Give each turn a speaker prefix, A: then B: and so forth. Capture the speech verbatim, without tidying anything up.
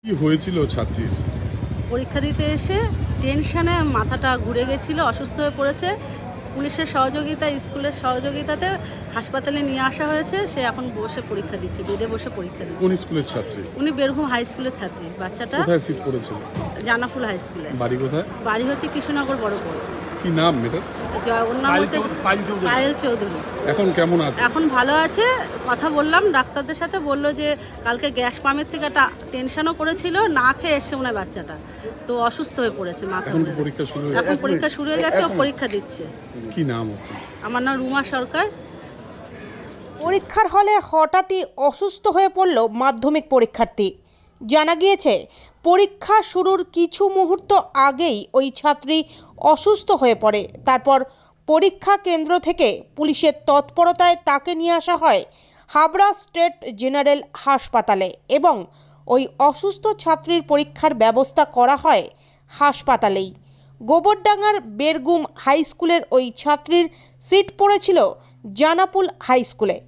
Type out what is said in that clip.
A: কি হয়েছিল ছাত্রীর?
B: পরীক্ষা দিতে এসে টেনশনে মাথাটা ঘুরে গেছিল, অসুস্থ হয়ে পড়েছে। পুলিশের সহযোগিতা, স্কুলের সহযোগিতাতে হাসপাতালে নিয়ে আসা হয়েছে। সে এখন বসে পরীক্ষা দিচ্ছে, বেডে বসে পরীক্ষা
A: কোন
B: দিচ্ছে।
A: স্কুলের ছাত্রী?
B: উনি বেরঘুম হাই স্কুলের ছাত্রী। বাচ্চাটা
A: কোথায় সিট করেছিল?
B: জানাফুল হাই স্কুলে।
A: বাড়ি কোথায়?
B: বাড়ি হচ্ছে কৃষ্ণনগর বড়পুর।
A: কি নাম মেয়েটার?
B: ওর নাম হচ্ছে পায়েল চৌধুরী।
A: এখন কেমন আছে?
B: এখন ভালো আছে। কথা বললাম ডাক্তারদের সাথে, বললো যে কালকে গ্যাস পামের থেকে একটা টেনশনও করেছিল, না খেয়ে এসছে মনে হয় বাচ্চাটা, তো অসুস্থ হয়ে পড়েছে মাথা
A: এখন
B: ঘুরে।
A: পরীক্ষা শুরু হয়ে
B: এখন পরীক্ষা শুরু হয়ে গেছে, ও পরীক্ষা দিচ্ছে।
A: কি নাম আপনার?
B: আমার নাম রুমা সরকার।
C: পরীক্ষার হলে হঠাৎই অসুস্থ হয়ে পড়ল মাধ্যমিক পরীক্ষার্থী। জানা গিয়েছে পরীক্ষা শুরুর কিছু মুহূর্ত আগেই ওই ছাত্রী অসুস্থ হয়ে পড়ে। তারপর পরীক্ষা কেন্দ্র থেকে পুলিশের তৎপরতায় তাকে নিয়ে আসা হয় হাবড়া স্টেট জেনারেল হাসপাতালে এবং ওই অসুস্থ ছাত্রীর পরীক্ষার ব্যবস্থা করা হয় হাসপাতালেই। গোবরডাঙ্গার বেরগুম হাই স্কুলের ওই ছাত্রীর সিট পড়েছিল জানাপুল হাই স্কুলে।